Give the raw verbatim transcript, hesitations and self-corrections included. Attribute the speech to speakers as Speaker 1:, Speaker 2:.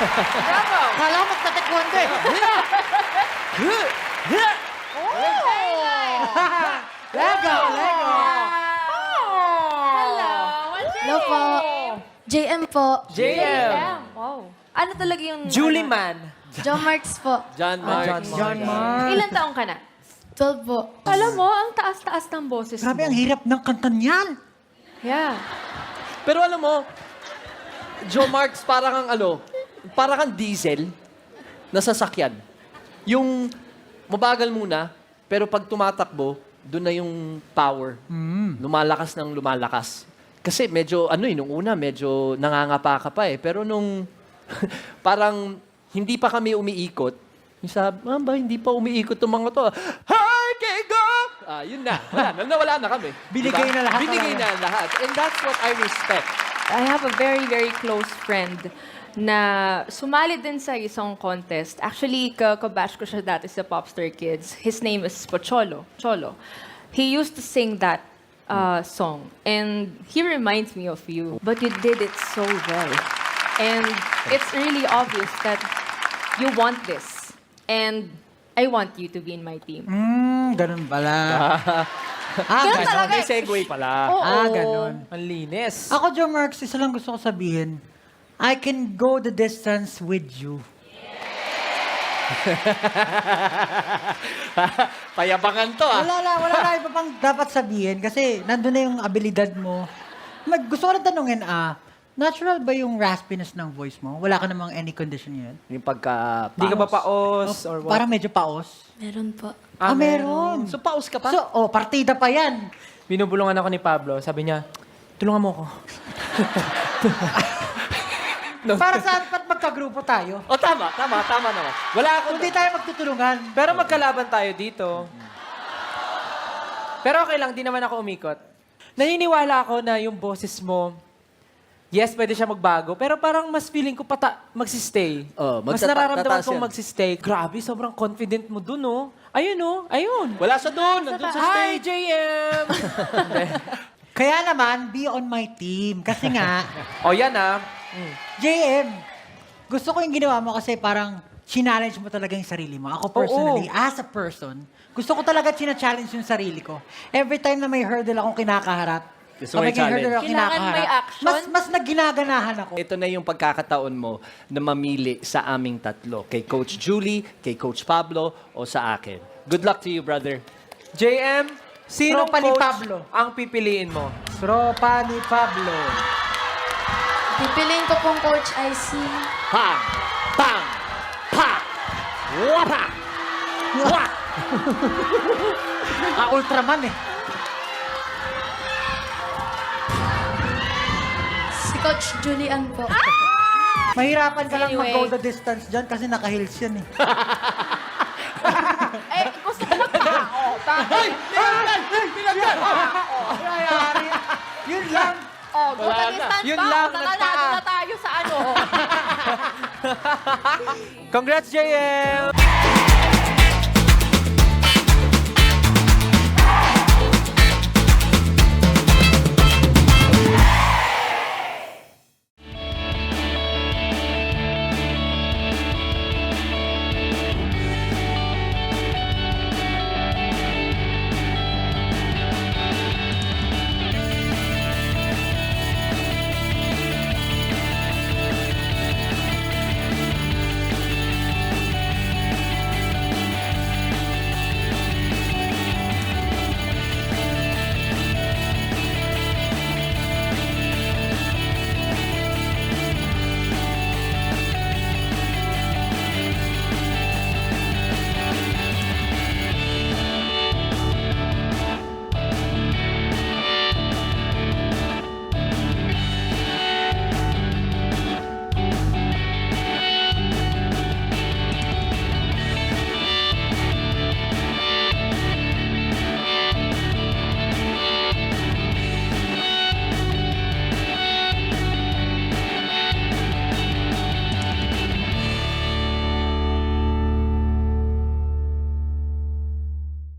Speaker 1: Bravo!
Speaker 2: Kala mo magta-taekwondo eh. Lego, Lego.
Speaker 1: Hello! What's your
Speaker 3: Hello po.
Speaker 1: name?
Speaker 3: J M po.
Speaker 4: J M.
Speaker 1: Wow. Ano talaga yung...
Speaker 4: Julie
Speaker 1: ano?
Speaker 4: Man.
Speaker 3: John Marks po.
Speaker 4: John Mark.
Speaker 2: John John Mark.
Speaker 1: Ilan taong ka na?
Speaker 3: twelve po.
Speaker 1: Alam mo, ang taas-taas ng boses
Speaker 2: Grabe,
Speaker 1: mo.
Speaker 2: ang hirap ng kanta niyan.
Speaker 1: Yeah.
Speaker 4: Pero alam mo, Joe Marks, parang kang ano, parang kang diesel na sasakyan. Yung mabagal muna, pero pag tumatakbo, doon na yung power. Lumalakas ng lumalakas. Kasi medyo, ano eh, nung una, medyo nangangapa ka pa eh. Pero nung parang hindi pa kami umiikot, yung sabi, "Ma'am, ba, hindi pa umiikot itong mga to. Hi, Kego! Ah, yun na. Wala na, nawala na kami.
Speaker 2: Binigay na lahat
Speaker 4: Binigay
Speaker 2: talaga.
Speaker 4: na lahat. And that's what I respect.
Speaker 1: I have a very, very close friend na sumali din sa isang contest. Actually, ka kabash ko siya dati sa Popstar Kids. His name is Pocholo. Cholo. He used to sing that uh, song. And he reminds me of you. But you did it so well. And it's really obvious that you want this. And I want you to be in my team.
Speaker 2: Hmm, ganun pala. ah,
Speaker 1: Ganun
Speaker 2: ganun.
Speaker 1: talaga.
Speaker 4: May segue pala.
Speaker 1: Oo.
Speaker 2: Ah, ganun.
Speaker 4: Ang linis.
Speaker 2: Ako, Joe Marks, isa lang gusto ko sabihin, I can go the distance with you.
Speaker 4: Payabangan to ah.
Speaker 2: Wala na, wala na iba pang dapat sabihin kasi nandun na yung abilidad mo. Mag, gusto ko na tanungin, ah, natural ba yung raspiness ng voice mo? Wala ka namang any condition yun?
Speaker 4: Yung pagka
Speaker 5: Hindi ka ba paos or what?
Speaker 2: Parang medyo paos.
Speaker 3: Meron po.
Speaker 2: Ah, meron.
Speaker 4: So paus ka pa?
Speaker 2: So, oh, partida pa yan.
Speaker 5: Binubulungan ako ni Pablo. Sabi niya, tulungan mo ako.
Speaker 2: Para saan ba't magkagrupo tayo?
Speaker 4: oh, tama, tama, tama naman. Wala ako.
Speaker 2: Kung di tayo magtutulungan.
Speaker 5: Pero magkalaban tayo dito. Pero okay lang, di naman ako umikot. Naniniwala ako na yung boses mo, yes, pwede siya magbago, pero parang mas feeling ko pata magsistay.
Speaker 4: Oh,
Speaker 5: mas
Speaker 4: magtata-
Speaker 5: nararamdaman
Speaker 4: tataas
Speaker 5: kong
Speaker 4: yan.
Speaker 5: magsistay. Grabe, sobrang confident mo dun, oh. Ayun, oh. Ayun.
Speaker 4: Wala siya doon. Nandun sa
Speaker 5: Hi,
Speaker 4: stage.
Speaker 5: J M!
Speaker 2: Kaya naman, be on my team. Kasi nga,
Speaker 5: O yan, ah.
Speaker 2: J M, gusto ko yung ginawa mo kasi parang challenge mo talaga yung sarili mo. Ako personally, as a person, gusto ko talaga china-challenge yung sarili ko. Every time na may hurdle akong kinakaharap,
Speaker 4: Gusto mo
Speaker 2: pag may
Speaker 4: i-challenge?
Speaker 2: hurdle akong
Speaker 1: Kailangan
Speaker 2: kinakaharap,
Speaker 1: may action?
Speaker 2: mas, mas nagginaganahan ako.
Speaker 4: Ito na yung pagkakataon mo na mamili sa aming tatlo. Kay Coach Julie, kay Coach Pablo, o sa akin. Good luck to you, brother.
Speaker 5: J M, sino
Speaker 2: Tropa ni
Speaker 5: coach
Speaker 2: Pablo.
Speaker 5: ang pipiliin mo?
Speaker 2: Tropa ni Pablo.
Speaker 3: Pipiliin ko pong Coach I C.
Speaker 4: Pam! Pam! Pa! Wapa! Wa!
Speaker 2: Ah, Ultraman eh.
Speaker 3: Si Coach Julian po.
Speaker 2: Mahirapan ka lang
Speaker 1: Anyway.
Speaker 2: mag-go the distance dyan kasi naka-heels yan eh.
Speaker 1: Eh, gusto ko magpao.
Speaker 4: Ay! Pinagdan! Pinagdan!
Speaker 2: Ayari. Yun lang.
Speaker 1: Oh, go
Speaker 4: Wala
Speaker 1: the
Speaker 4: na.
Speaker 1: distance
Speaker 5: Yun
Speaker 1: pa.
Speaker 5: lang,
Speaker 1: O, nanalo
Speaker 5: nagpaa.
Speaker 1: na tayo sa ano.
Speaker 5: Congrats, J M!